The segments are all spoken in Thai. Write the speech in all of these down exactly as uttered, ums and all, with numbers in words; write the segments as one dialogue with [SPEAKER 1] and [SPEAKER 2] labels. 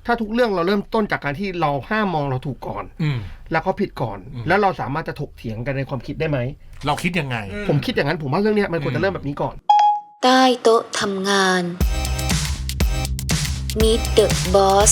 [SPEAKER 1] ถ้าทุกเรื่องเราเริ่มต้นจากการที่เราห้ามมองเราถูกก่อนแล้วเขาผิดก่อนแล้วเราสามารถจะถกเถียงกันในความคิดได้ไหม
[SPEAKER 2] เราคิดยังไง
[SPEAKER 1] ผมคิดอย่างนั้นผมว่าเรื่องนี้มันควรจะเริ่มแบบนี้ก่อน
[SPEAKER 3] ใต้โต๊ะทำงาน Meet the Boss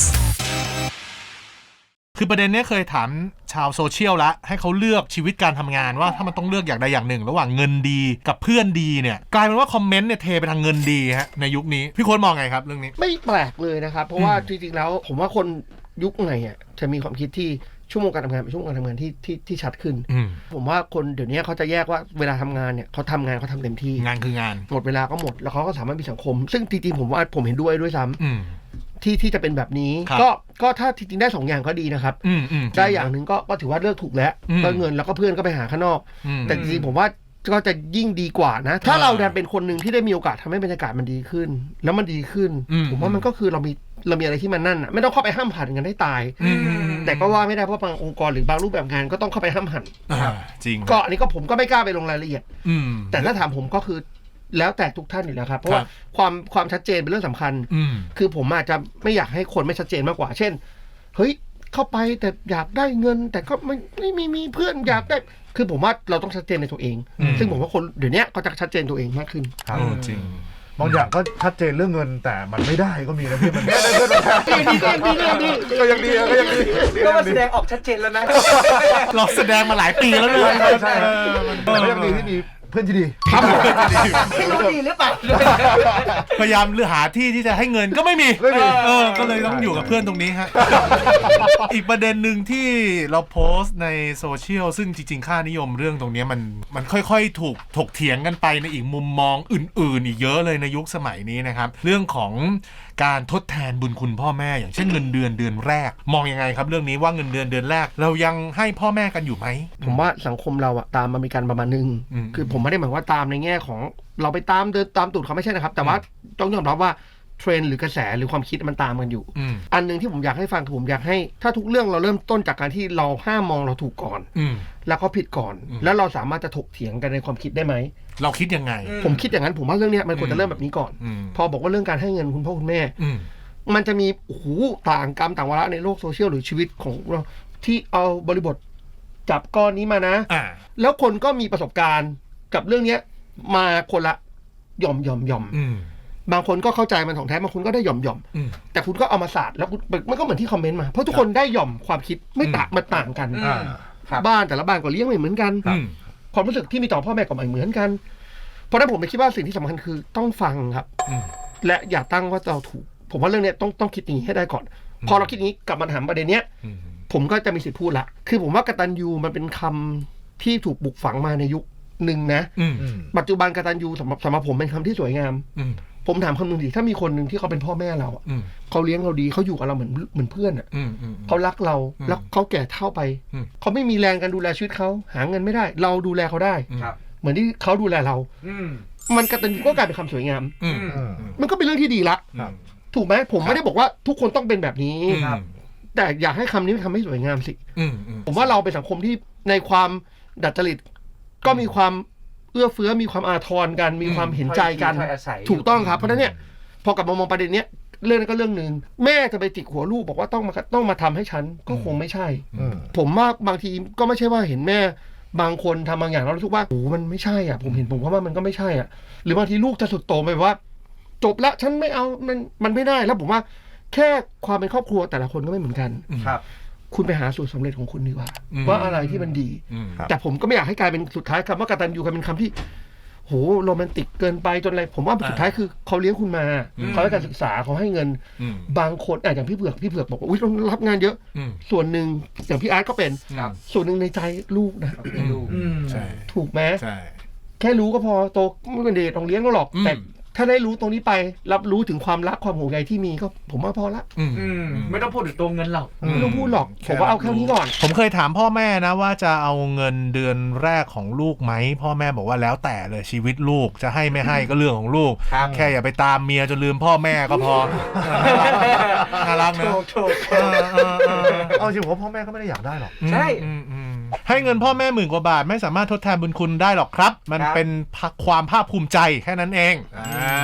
[SPEAKER 2] คือประเด็นนี้เคยถามชาวโซเชียลละให้เขาเลือกชีวิตการทำงานว่าถ้ามันต้องเลือกอย่างใดอย่างหนึ่งระหว่างเงินดีกับเพื่อนดีเนี่ยกลายเป็นว่าคอมเมนต์เนี่ยเทไปทางเงินดีฮะในยุคนี้พี่โค้ดมองไงครับเรื่องนี้
[SPEAKER 1] ไม่แปลกเลยนะครับเพราะว่าจริงๆแล้วผมว่าคนยุคไหนอ่ะจะมีความคิดที่ชั่วโมงการทำงานเป็นชั่วโมงการทำงานที่ที่ที่ชัดขึ้นผมว่าคนเดี๋ยวนี้เขาจะแยกว่าเวลาทำงานเนี่ยเขาทำงานเขาทำเต็มที่
[SPEAKER 2] งานคืองาน
[SPEAKER 1] หมดเวลาก็หมดแล้วเขาก็สามารถมีสังคมซึ่งจริงๆผมว่าผมเห็นด้วยด้วยซ้ำที่ที่จะเป็นแบบนี้ก็ก็ถ้าจริงๆได้สองอย่างก็ดีนะครับได้อย่างหนึ่งก็ก็ถือว่าเลือกถูกแล้วก็เงินแล้วก็เพื่อนก็ไปหาข้างนอกแต่จริงๆผมว่าก็จะยิ่งดีกว่านะถ้าเราดันเป็นคนหนึ่งที่ได้มีโอกาสทำให้บรรยากาศมันดีขึ้นแล้วมันดีขึ้นผมว่ามันก็คือเรามีเรามีอะไรที่มันนั่นอ่ะไม่ต้องเข้าไปห้ามหันกันให้ตายแต่ก็ว่าไม่ได้เพราะบางองค์กรหรือบางรูปแบบงานก็ต้องเข้าไปห้ามหัน
[SPEAKER 2] จริง
[SPEAKER 1] ก็อันนี้ก็ผมก็ไม่กล้าไปลงรายละเอียดแต่ถ้าถามผมก็คือแล้วแต่ทุกท่านอยู่แล้วครับเพราะว่าความความชัดเจนเป็นเรื่องสำคัญคือผมอาจจะไม่อยากให้คนไม่ชัดเจนมากกว่าเช่นเฮ้ยเข้าไปแต่อยากได้เงินแต่ก็ไม่ไม่มีมีเพื่อนอยากได้คือผมว่าเราต้องชัดเจนในตัวเองซึ่งผมว่าคนเดี๋ยวนี้ก็จะชัดเจนตัวเองมากขึ้น
[SPEAKER 2] ครับจริง
[SPEAKER 4] บางอย่างก็ชัดเจนเรื่องเงินแต่มันไม่ได้ก็มีนะพี่มันไม่ได้เพื่อนมันดีก็ยังดีก็ยังดี
[SPEAKER 5] ก็มาแสดงออกชัดเจนแล้วนะ
[SPEAKER 2] เราแสดงมาหลายปีแล้วเลย
[SPEAKER 4] ใช่มันก็ยังดีที่มีเพื่อนที่ดี
[SPEAKER 1] ครับ
[SPEAKER 5] ไม่รู้ดีหรือเปล่า
[SPEAKER 2] พยายามเลือกหาที่ที่จะให้เงินก็ไม่มีเออก็เลยต้องอยู่กับเพื่อนตรงนี้ฮะอีกประเด็นหนึ่งที่เราโพสต์ในโซเชียลซึ่งจริงๆค่านิยมเรื่องตรงนี้มันมันค่อยๆถูกถกเถียงกันไปในอีกมุมมองอื่นๆอีกเยอะเลยในยุคสมัยนี้นะครับเรื่องของการทดแทนบุญคุณพ่อแม่อย่างเช่นเงินเดือนเดือนแรกมองยังไงครับเรื่องนี้ว่าเงินเดือนเดือนแรกเรายังให้พ่อแม่กันอยู่ไหม
[SPEAKER 1] ผมว่าสังคมเราอะตามอเมริกันประมาณนึงคือผมไม่ได้หมายว่าตามในแง่ของเราไปตามเดินตามตูดเขาไม่ใช่นะครับแต่ว่าต้องยอมรับว่าเทรนด์หรือกระแสหรือความคิดมันตามกันอยู่อันนึงที่ผมอยากให้ฟังคือผมอยากให้ถ้าทุกเรื่องเราเริ่มต้นจากการที่เราห้ามมองเราถูกก่อนแล้วเขาผิดก่อนแล้วเราสามารถจะถกเถียงกันในความคิดได้ไหม
[SPEAKER 2] เราคิดยังไง
[SPEAKER 1] ผมคิดอย่างนั้นผมว่าเรื่องนี้มันควรจะเริ่มแบบนี้ก่อนพอบอกว่าเรื่องการให้เงินคุณพ่อคุณแม่มันจะมีโอ้โหต่างกรรมต่างวาระในโลกโซเชียลหรือชีวิตของเราที่เอาบริบทจับก้อนนี้มานะแล้วคนก็มีประสบการณ์กับเรื่องนี้มาคนละหย่อมหย่อมหย่อมบางคนก็เข้าใจมันของแท้บางคนก็ได้หย่อมหย่อมแต่คุณก็เอามาศาสตร์แล้วมันก็เหมือนที่คอมเมนต์มาเพราะทุกคนได้หย่อมความคิดไม่ต่างมันต่างกันบ้านแต่ละบ้านก็เลี้ยงไม่เหมือนกันความรู้สึกที่มีต่อพ่อแม่ก็ไม่เหมือนกันเพราะฉะนั้นผมคิดว่าสิ่งที่สำคัญคือต้องฟังครับและอย่าตั้งว่าเราถูกผมว่าเรื่องนี้ต้องต้องคิดอย่างนี้ให้ได้ก่อนพอเราคิดอย่างนี้กลับมาถามประเด็นเนี้ยผมก็จะมีสิทธิ์พูดละคือผมว่ากตัญญูมันเป็นคำที่ถูกปลูกฝังมาในยุคหนึ่งนะปัจจุบันกตัญญูสำหรับสำหรับผมเป็นคำที่สวยงามผมถามคำหนึ่งดิถ้ามีคนหนึ่งที่เขาเป็นพ่อแม่เราเขาเลี้ยงเราดีเขาอยู่กับเราเหมือนเหมือนเพื่อนอ่ะเขารักเราแล้วเขาแก่เฒ่าไปเขาไม่มีแรงการดูแลชีวิตเขาหาเงินไม่ได้เราดูแลเขาได้เหมือนที่เขาดูแลเรามันกตัญญูก็กลายเป็นคำสวยงามมันก็เป็นเรื่องที่ดีละถูกไหมผมไม่ได้บอกว่าทุกคนต้องเป็นแบบนี้แต่อยากให้คำนี้มันทำให้สวยงามสิผมว่าเราเป็นสังคมที่ในความดัดจริตก็มีความเอื้อเฟื้อมีความอาทรกันมีความเห็นใจกันถูกต้องครับเพราะฉะนั้นเนี่ยพอกลับมามองประเด็นเนี้ยเรื่องนั้นก็เรื่องนึงแม่จะไปจิกหัวลูกบอกว่าต้องมาต้องมาทำให้ฉันก็คงไม่ใช่ผมว่าบางทีก็ไม่ใช่ว่าเห็นแม่บางคนทำบางอย่างแล้วรู้สึกว่าโอ้มันไม่ใช่อ่ะผมเห็นผมว่ามันก็ไม่ใช่อ่ะหรือบางทีลูกจะสุดโต่งไปว่าจบละฉันไม่เอามันมันไม่ได้แล้วผมว่าแค่ความเป็นครอบครัวแต่ละคนก็ไม่เหมือนกัน
[SPEAKER 5] ครับ
[SPEAKER 1] คุณไปหาสูตรสำเร็จของคุณดีกว่าว่าอะไรที่มันดีแต่ผมก็ไม่อยากให้กลายเป็นสุดท้ายคำว่ากตัญญูกลายเป็นคำที่โหโรแมนติกเกินไปจนอะไรผมว่าสุดท้ายคือเขาเลี้ยงคุณมาเขาให้การศึกษาเขาให้เงินบางคนอย่างพี่เผือกพี่เผือกบอกว่าอุ้ยต้องรับงานเยอะส่วนหนึ่งอย่างพี่อาร์ตก็เป็นส่วนหนึ่งในใจลูกนะถูกไหมแค่รู้ก็พอโตไม่เป็นเด็กต้องเลี้ยงก็หรอกแต่ถ้าได้รู้ตรงนี้ไปรับรู้ถึงความรักความห่วงใยที่มีก็ผมว่าพอละ
[SPEAKER 5] ไม่ต้องพูดถึงตัวเงินหรอก
[SPEAKER 1] ไม่ต้องพูดหรอกผมว่าเอาแค่นี้ก่อน
[SPEAKER 2] ผมเคยถามพ่อแม่นะว่าจะเอาเงินเดือนแรกของลูกไหมพ่อแม่บอกว่าแล้วแต่เลยชีวิตลูกจะให้ไม่ให้ก็เรื่องของลูกแค่อย่าไปตามเมียจนลืมพ่อแม่ก็พอน่ารักนะ
[SPEAKER 4] เอาจริงผมพ่อแม่ก็ไม่ได้อยากได้หรอก
[SPEAKER 5] ใช่
[SPEAKER 2] ให้เงินพ่อแม่หมื่นกว่าบาทไม่สามารถทดแทนบุญคุณได้หรอกครับมันเป็นความภาคภูมิใจแค่นั้นเองอ่าโอ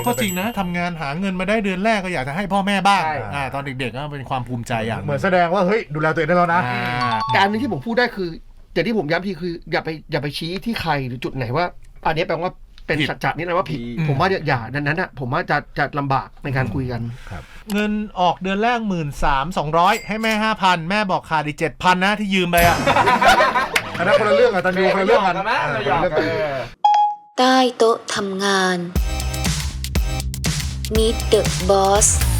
[SPEAKER 2] ก็จริงนะทำงานหาเงินมาได้เดือนแรกก็อยากจะให้พ่อแม่บ้าง
[SPEAKER 5] ใช่
[SPEAKER 2] อ่าตอนเด็กๆก็เป็นความภูมิใจอย่าง
[SPEAKER 4] เหมือนแสดงว่าเฮ้ยดูแลตัวเองได้แล้วนะ
[SPEAKER 2] อ่า
[SPEAKER 1] แต่อันนึงที่ผมพูดได้คือแต่ที่ผมย้ำทีคืออย่าไปอย่าไปชี้ที่ใครหรือจุดไหนว่า อันนี้แปลว่าเป็น
[SPEAKER 2] ผิด
[SPEAKER 1] สัจจะนี่นะว่าผิด
[SPEAKER 2] อืม
[SPEAKER 1] ผมว่าอย่าอย่าดังนั้นอ่ะผมว่าจะจะลำบากในการคุยกัน
[SPEAKER 2] เงินออกเดือนแรกหมื่นสามสองร้อยให้แม่ห้าพันแม่บอกขาดอีกเจ็ดพันนะที่ยืมไปอ่ะ
[SPEAKER 4] อันนั้นคนละเรื่องอะตันยูคนละเรื่องกัน
[SPEAKER 5] เราหยอกกัน
[SPEAKER 3] ใต้โต๊ะทำงาน Meet the Boss